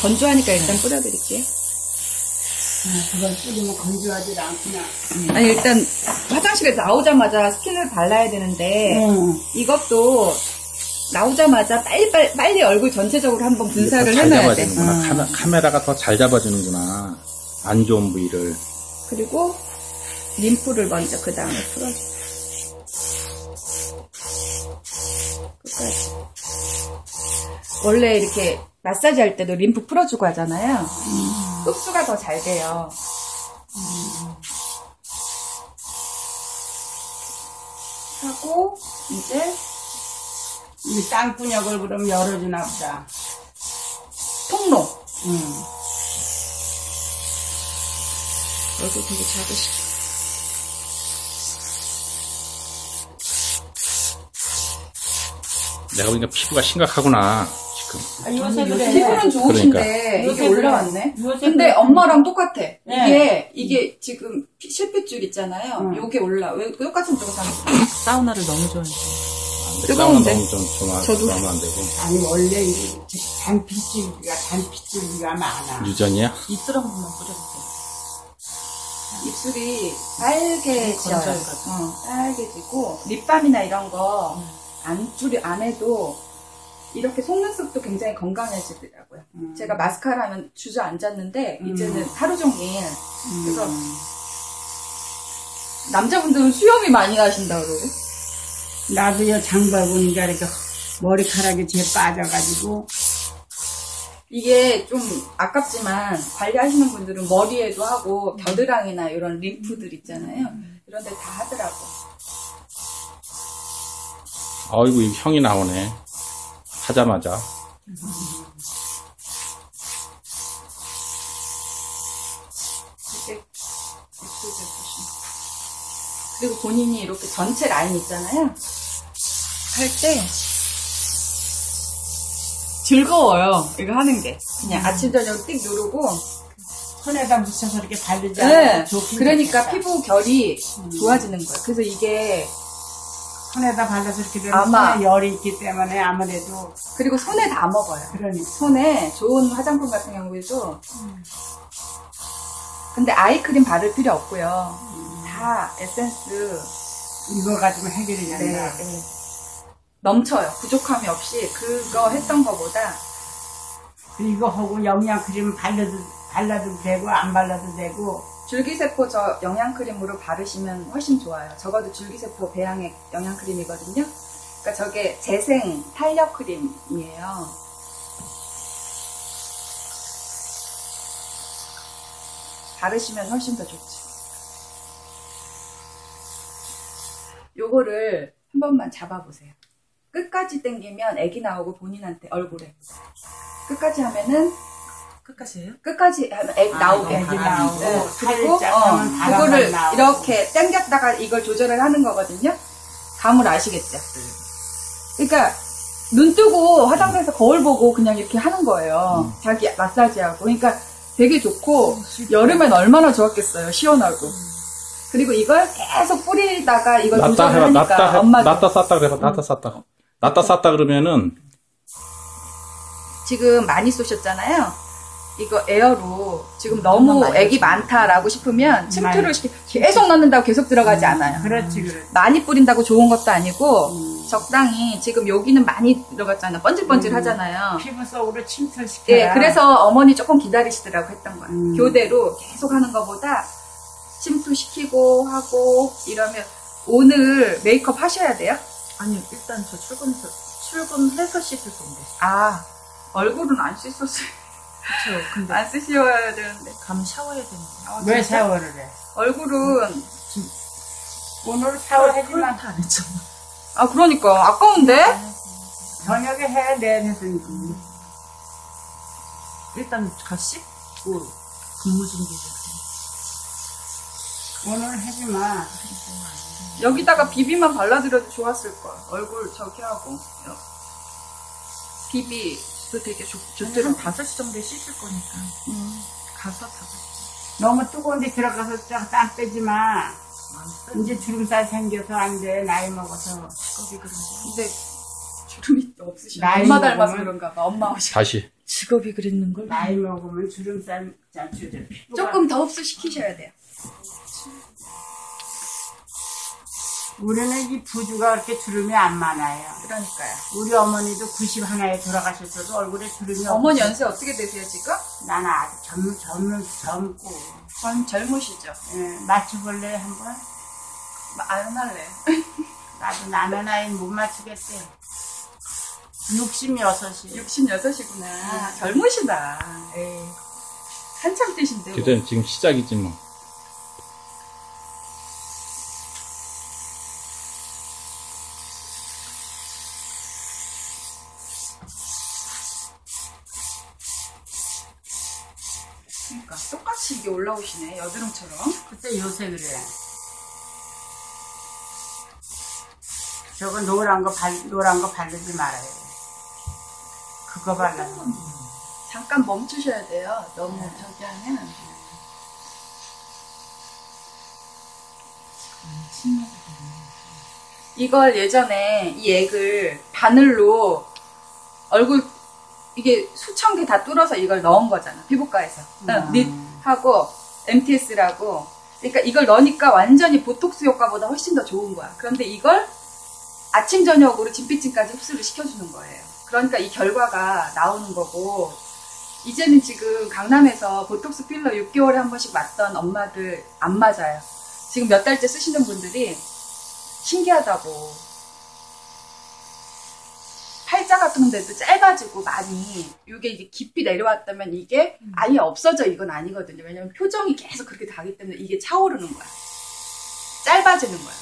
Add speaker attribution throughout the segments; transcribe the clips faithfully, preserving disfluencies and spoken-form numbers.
Speaker 1: 건조하니까 일단 뿌려드릴게요.
Speaker 2: 아, 그걸 뿌리면 건조하지 않구나.
Speaker 1: 음. 아니, 일단 화장실에 나오자마자 스킨을 발라야 되는데, 음. 이것도 나오자마자 빨리, 빨리, 빨리 얼굴 전체적으로 한번 분사를 해놔야 돼.
Speaker 3: 음. 카메, 카메라가 더 잘 잡아주는구나. 안 좋은 부위를.
Speaker 1: 그리고 림프를 먼저 그 다음에 풀어줘. 끝까지. 원래 이렇게 마사지 할 때도 림프 풀어주고 하잖아요. 음. 흡수가 더 잘 돼요. 음. 하고 이제
Speaker 2: 이 땅분역을 그럼 열어주나 보다.
Speaker 1: 통로.
Speaker 2: 음.
Speaker 1: 얼굴 되게 작으시죠?
Speaker 3: 내가 보니까 피부가 심각하구나 지금.
Speaker 2: 아, 요새 그래.
Speaker 1: 피부는 좋으신데
Speaker 3: 그러니까.
Speaker 1: 이게 올라왔네.
Speaker 2: 요새
Speaker 1: 근데
Speaker 2: 그래.
Speaker 1: 엄마랑 똑같아.
Speaker 2: 네.
Speaker 1: 이게 이게 지금 피, 실핏줄 있잖아요.
Speaker 2: 응.
Speaker 1: 요게 올라. 왜 똑같은 쪽으로 사는
Speaker 4: 사우나를 너무 좋아해요.
Speaker 1: 뜨거운데?
Speaker 3: 너무 좀, 좀
Speaker 1: 저도.
Speaker 3: 하면 안 되고.
Speaker 2: 아니 원래 이 단피줄기가 단피줄기가 많아.
Speaker 3: 유전이야?
Speaker 4: 입술 한 번만 뿌려주세요.
Speaker 1: 입술이 빨개져요.
Speaker 4: 건조해가지고.
Speaker 1: 어, 빨개지고 립밤이나 이런 거 안 줄이 안 해도 이렇게 속눈썹도 굉장히 건강해지더라고요.
Speaker 2: 음.
Speaker 1: 제가 마스카라 하면 주저앉았는데
Speaker 2: 음.
Speaker 1: 이제는 하루 종일
Speaker 2: 음.
Speaker 1: 그래서 남자분들은 수염이 많이 나신다 그러고.
Speaker 2: 나도요 장발 보니까 이렇게 머리카락이 제 빠져가지고
Speaker 1: 이게 좀 아깝지만 관리하시는 분들은 머리에도 하고 겨드랑이나 이런 림프들 있잖아요. 이런 데 다 하더라고.
Speaker 3: 아이고, 이 형이 나오네. 하자마자.
Speaker 1: 이렇게 입술 보시면. 그리고 본인이 이렇게 전체 라인 있잖아요. 할 때 즐거워요. 이거 하는 게. 그냥 음. 아침 저녁 띡 누르고
Speaker 2: 손에다 묻혀서 이렇게 바르지
Speaker 1: 네.
Speaker 2: 않아요. 좋긴
Speaker 1: 그러니까
Speaker 2: 좋겠다.
Speaker 1: 피부 결이
Speaker 2: 음.
Speaker 1: 좋아지는 거예요. 그래서 이게
Speaker 2: 손에다 발라서 이렇게 되면
Speaker 1: 아마-
Speaker 2: 손에 열이 있기 때문에 아무래도
Speaker 1: 그리고 손에 다 먹어요.
Speaker 2: 그러니
Speaker 1: 손에 좋은 화장품 같은 경우에도 근데 아이크림 바를 필요 없고요. 다 에센스
Speaker 2: 이거 가지고 해결이
Speaker 1: 네,
Speaker 2: 된다.
Speaker 1: 네. 넘쳐요. 부족함이 없이 그거 했던 거보다
Speaker 2: 이거 하고 영양크림 발라도 발라도 되고 안 발라도 되고
Speaker 1: 줄기세포 저 영양크림으로 바르시면 훨씬 좋아요. 적어도 줄기세포 배양액 영양크림이거든요. 그러니까 저게 재생 탄력 크림이에요. 바르시면 훨씬 더 좋죠. 요거를 한 번만 잡아보세요. 끝까지 당기면 애기 나오고 본인한테 얼굴에 끝까지 하면은
Speaker 4: 끝까지 해요?
Speaker 1: 끝까지 하면 애
Speaker 4: 아,
Speaker 1: 나오게
Speaker 2: 애기
Speaker 4: 바람이
Speaker 2: 나오고
Speaker 1: 네. 그리고
Speaker 2: 살짝
Speaker 1: 어,
Speaker 2: 하면 바람만
Speaker 1: 그거를
Speaker 2: 나오고.
Speaker 1: 이렇게 당겼다가 이걸 조절을 하는 거거든요. 감을 아시겠죠? 그러니까 눈 뜨고 화장실에서 거울 보고 그냥 이렇게 하는 거예요.
Speaker 3: 음.
Speaker 1: 자기 마사지하고. 그러니까 되게 좋고 여름엔 얼마나 좋았겠어요. 시원하고. 그리고 이걸 계속 뿌리다가 이걸
Speaker 3: 낫다
Speaker 1: 조절을
Speaker 3: 해봐,
Speaker 1: 하니까
Speaker 3: 낫다 해,
Speaker 1: 엄마도
Speaker 3: 낫다 쌌다 그래봐, 낫다 쌌다. 낫다 쌌다 그러면은,
Speaker 1: 지금 많이 쏘셨잖아요. 이거 에어로 지금 너무
Speaker 4: 많이
Speaker 1: 액이 많다라고 싶으면 침투를 시키 계속 넣는다고 계속 들어가지 않아요.
Speaker 2: 그렇지 그렇지.
Speaker 1: 많이 뿌린다고 좋은 것도 아니고
Speaker 2: 음.
Speaker 1: 적당히 지금 여기는 많이 들어갔잖아요. 번질번질 하잖아요.
Speaker 2: 피부 속으로 침투시켜야.
Speaker 1: 예, 그래서 어머니 조금 기다리시더라고 했던 거예요.
Speaker 2: 음.
Speaker 1: 교대로 계속 하는 것보다 침투시키고 하고 이러면 오늘 메이크업 하셔야 돼요?
Speaker 4: 아니, 일단 저 출근해서, 출근해서 씻을 건데.
Speaker 1: 아, 얼굴은 안 씻었어요.
Speaker 4: 그쵸. 근데
Speaker 1: 안 쓰셔야 되는데.
Speaker 4: 감 샤워해야 되는데.
Speaker 1: 아,
Speaker 2: 왜
Speaker 1: 진짜?
Speaker 2: 샤워를 해?
Speaker 1: 얼굴은
Speaker 2: 오늘 샤워하지만
Speaker 4: 털 안 했잖아.
Speaker 1: 아 그러니까 아까운데?
Speaker 2: 저녁에 해 내내서니까.
Speaker 4: 일단 가 씻고 근무 준비해주세요.
Speaker 2: 오늘 하지마.
Speaker 1: 여기다가 비비만 발라드려도 좋았을 거야. 얼굴 저기 하고 비비도 되게 좋,
Speaker 4: 저는
Speaker 1: 좋더라고.
Speaker 4: 한 다섯 시 정도에 씻을 거니까.
Speaker 1: 음.
Speaker 4: 가서 다섯 시.
Speaker 2: 너무 뜨거운 데 들어가서 쫙땀 빼지 마. 이제 주름살 생겨서 안 돼. 나이 먹어서.
Speaker 4: 거기 그런데.
Speaker 1: 근데 주름이 없으시네.
Speaker 2: 나이
Speaker 1: 엄마 닮아서
Speaker 2: 먹으면-
Speaker 1: 그런가 봐. 엄마 오시.
Speaker 3: 다시.
Speaker 1: 직업이 그랬는 걸.
Speaker 2: 나이 먹으면 주름살 자주들
Speaker 1: 조금 더 흡수시키셔야 돼요.
Speaker 2: 우리는 이 부주가 그렇게 주름이 안 많아요.
Speaker 1: 그러니까요.
Speaker 2: 우리 어머니도 구십일에 돌아가셨어도 얼굴에 주름이
Speaker 1: 어머니
Speaker 2: 없어요.
Speaker 1: 연세 어떻게 되세요 지금?
Speaker 2: 나는 아주 젊, 젊, 젊고.
Speaker 1: 전 젊으시죠?
Speaker 2: 예, 맞춰볼래 한번?
Speaker 1: 안 할래.
Speaker 2: 나도 남의 나이 못 맞추겠대. 육십육이.
Speaker 1: 육십육이구나. 젊으시다. 에이. 한참 뛰신데. 뭐.
Speaker 3: 그때 지금 시작이지 뭐.
Speaker 1: 그러니까 똑같이 이게 올라오시네. 여드름처럼.
Speaker 2: 그때 요새 그래. 저거 노란 거 발, 노란 거 바르지 말아요. 그거 발라요.
Speaker 1: 잠깐 멈추셔야 돼요. 너무 저기 하면. 이걸 예전에 이 액을 바늘로 얼굴 이게 수천 개 다 뚫어서 이걸 넣은 거잖아. 피부과에서.
Speaker 2: 음.
Speaker 1: 닛하고 엠티에스라고. 그러니까 이걸 넣으니까 완전히 보톡스 효과보다 훨씬 더 좋은 거야. 그런데 이걸 아침 저녁으로 진피층까지 흡수를 시켜주는 거예요. 그러니까 이 결과가 나오는 거고, 이제는 지금 강남에서 보톡스 필러 육 개월에 한 번씩 맞던 엄마들 안 맞아요. 지금 몇 달째 쓰시는 분들이 신기하다고. 팔자 같은 데도 짧아지고 많이, 이게 이제 깊이 내려왔다면 이게 아예 없어져 이건 아니거든요. 왜냐면 표정이 계속 그렇게 가기 때문에 이게 차오르는 거야. 짧아지는 거야.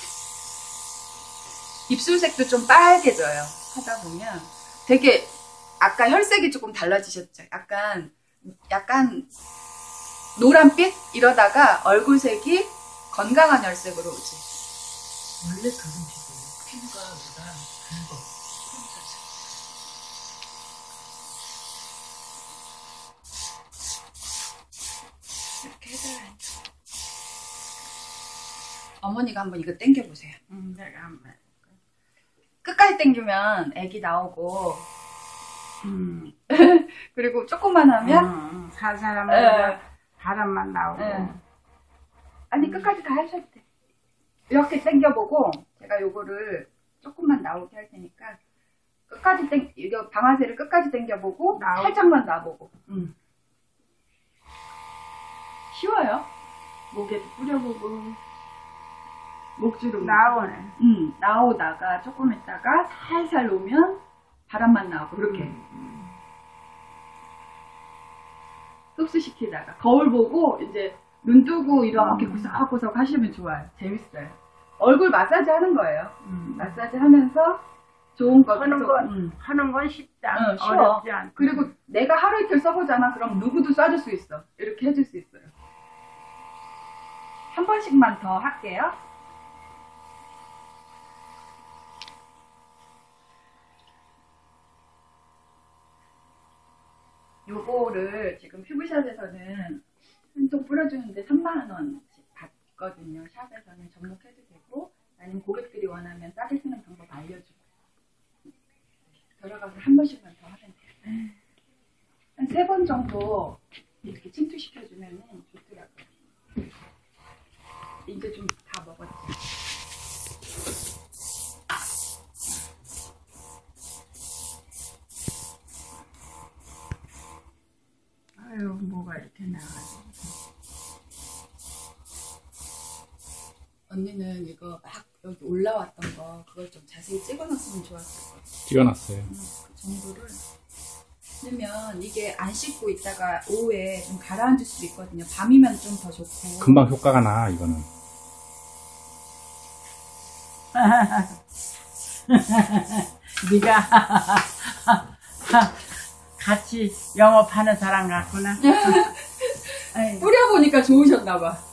Speaker 1: 입술색도 좀 빨개져요. 하다 보면 되게 아까 혈색이 조금 달라지셨죠. 약간 약간 노란빛 이러다가 얼굴색이 건강한 혈색으로 오지.
Speaker 5: 원래 그런 피부예요. 피부가 보다 붉어.
Speaker 1: 이렇게 해달라요. 어머니가 한번 이거 당겨보세요.
Speaker 2: 음, 내가 한번.
Speaker 1: 끝까지 당기면 애기 나오고,
Speaker 2: 음.
Speaker 1: 그리고 조금만 하면
Speaker 2: 음, 살살 하면
Speaker 1: 에.
Speaker 2: 바람만 나오고.
Speaker 1: 에. 아니 끝까지 다 하셔도 돼. 이렇게 당겨보고 제가 요거를 조금만 나오게 할 테니까 끝까지 땡 이거 방아쇠를 끝까지 당겨보고
Speaker 2: 나오고.
Speaker 1: 살짝만 놔보고. 음. 쉬워요. 목에도 뿌려보고 목주름
Speaker 2: 나오네.
Speaker 1: 음, 나오다가 조금 있다가 살살 놓으면 바람만 나오고 그렇게
Speaker 2: 음.
Speaker 1: 흡수시키다가 거울 보고 이제 눈 뜨고 이렇게
Speaker 2: 음.
Speaker 1: 구석구석 하시면 좋아요. 재밌어요. 얼굴 마사지 하는 거예요.
Speaker 2: 음.
Speaker 1: 마사지 하면서 좋은 거
Speaker 2: 하는
Speaker 1: 계속,
Speaker 2: 건
Speaker 1: 음.
Speaker 2: 하는 건 쉽다.
Speaker 1: 응, 쉬워.
Speaker 2: 어렵지 않고.
Speaker 1: 그리고 내가 하루 이틀 써보잖아. 그럼 누구도 쏴줄 수 있어. 이렇게 해줄 수 있어요. 한 번씩만 더 할게요. 요거를 지금 퓨브샷에서는 한 통 뿌려주는데 삼만 원씩 받거든요. 샵에서는 접목해도 되고 아니면 고객들이 원하면 싸게 쓰는 방법 알려주고 들어가서 한 번씩만 더 하면 돼요. 한 세 번 정도 이렇게 침투시켜주면 좋더라고요. 이제 좀 다 먹었지.
Speaker 2: 아유, 뭐가 이렇게 나가지.
Speaker 1: 언니는 이거 막 여기 올라왔던 거 그걸 좀 자세히 찍어놨으면 좋았을 것 같아.
Speaker 3: 찍어놨어요.
Speaker 1: 음, 그 정도를. 왜냐면 이게 안 씻고 있다가 오후에 좀 가라앉을 수도 있거든요. 밤이면 좀 더 좋고.
Speaker 3: 금방 효과가 나 이거는.
Speaker 2: 네가 같이 영업하는 사람 같구나.
Speaker 1: 뿌려보니까 좋으셨나봐.